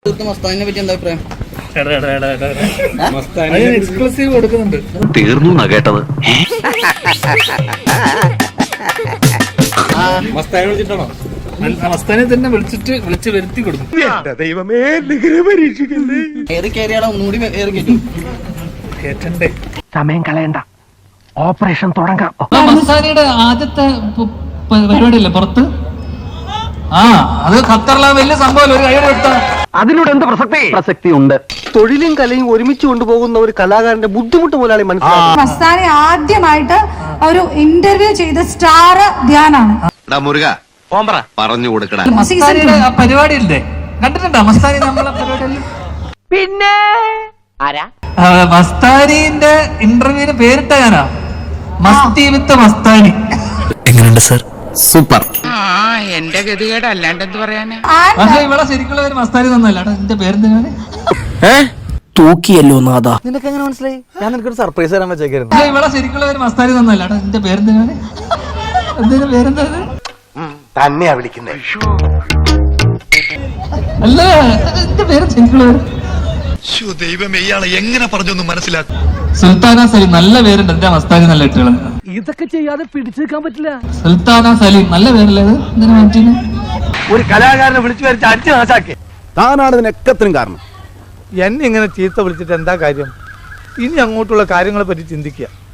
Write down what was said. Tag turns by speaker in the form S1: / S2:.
S1: Exclusive കൊടുക്കുന്നുണ്ട്.
S2: തീർന്നു എന്നാ കേട്ടത്.
S1: മസ്താനെ തന്നെ വിളിച്ച് വരുത്തി കൊടുക്കും.
S3: ദൈവമേ,
S1: കേട്ടണ്ടേ?
S2: സമയം കളയണ്ട, ഓപ്പറേഷൻ തുടങ്ങാം.
S1: മസ്താനിയുടെ ആദ്യത്തെ പരിപാടിയല്ലേ പുറത്ത്? അത് ഖത്തറിലെ വലിയ സംഭവം. ഒരു കൈയുടെ എടുത്ത
S2: അതിനോട് എന്ത് പ്രസക്തി ഉണ്ട്? തൊഴിലും കലയും ഒരുമിച്ച് കൊണ്ടുപോകുന്ന ഒരു കലാകാരന്റെ ബുദ്ധിമുട്ട് മുതലാളി മനസ്സിലാക്കി.
S4: മസ്താനി ആദ്യമായിട്ട് ഒരു ഇന്റർവ്യൂ ചെയ്ത സ്റ്റാർ ധ്യാനാണ്.
S2: പറഞ്ഞു കൊടുക്കണ
S1: മസ്താനിയുടെ പരിപാടിയില്ലേ, കണ്ടിട്ടുണ്ടോ മസ്താനി നമ്മളെ പരിപാടിയിൽ?
S5: പിന്നെ
S1: മസ്താനിന്റെ ഇന്റർവ്യൂവിന് പേരിട്ട ഞാനാ, മസ്തി വിത്ത് മസ്താനി.
S6: എങ്ങനെയുണ്ട് സർ?
S2: സൂപ്പർ.
S5: എന്റെ ഗതികേട് അല്ലാണ്ട് എന്ത് പറയാനാ.
S1: പക്ഷെ ഇവിടെ ശരിക്കുള്ള ഒരു മസ്താനി തന്നല്ല. എന്റെ പേരെന്തിനാണ്?
S6: തൂക്കിയല്ലോ നാദാ.
S3: നിനക്ക് എങ്ങനെ മനസ്സിലായി? ഞാൻ നിനക്കൊരു സർപ്രൈസ് തരാൻ വെച്ചേക്കായിരുന്നു.
S1: പക്ഷെ ഇവിടെ ശരിക്കുള്ള ഒരു മസ്താനി തന്നല്ല. എന്റെ പേരെന്തിനാണ്? എന്തിനാ പേരെന്താ?
S3: തന്നെയാ വിളിക്കുന്നേ.
S1: അല്ല, എന്റെ പേര് ശരിക്കുള്ള
S6: ദൈവമേ, ഇയാളെ എങ്ങനെ പറഞ്ഞൊന്ന് മനസ്സിലാക്കും.
S1: സുൽത്താന സലീം. നല്ല പേരുണ്ട് എന്റെ മസ്താനി. നല്ല ഇട്ടുകൾ.
S3: ഇതൊക്കെ ചെയ്യാതെ പിടിച്ചു നിൽക്കാൻ പറ്റില്ല.
S1: സുൽത്താന സലീം നല്ല പേരല്ലേ അത്? എന്തിനാ മാറ്റിന്?
S3: ഒരു കലാകാരനെ വിളിച്ചു വരച്ച് അടിച്ചു നാശാക്കി. താനാണ് ഇതിനൊക്കത്തിനും കാരണം. എന്നെ ഇങ്ങനെ ചീത്ത വിളിച്ചിട്ട് എന്താ കാര്യം? ഇനി അങ്ങോട്ടുള്ള കാര്യങ്ങളെ പറ്റി ചിന്തിക്കുക.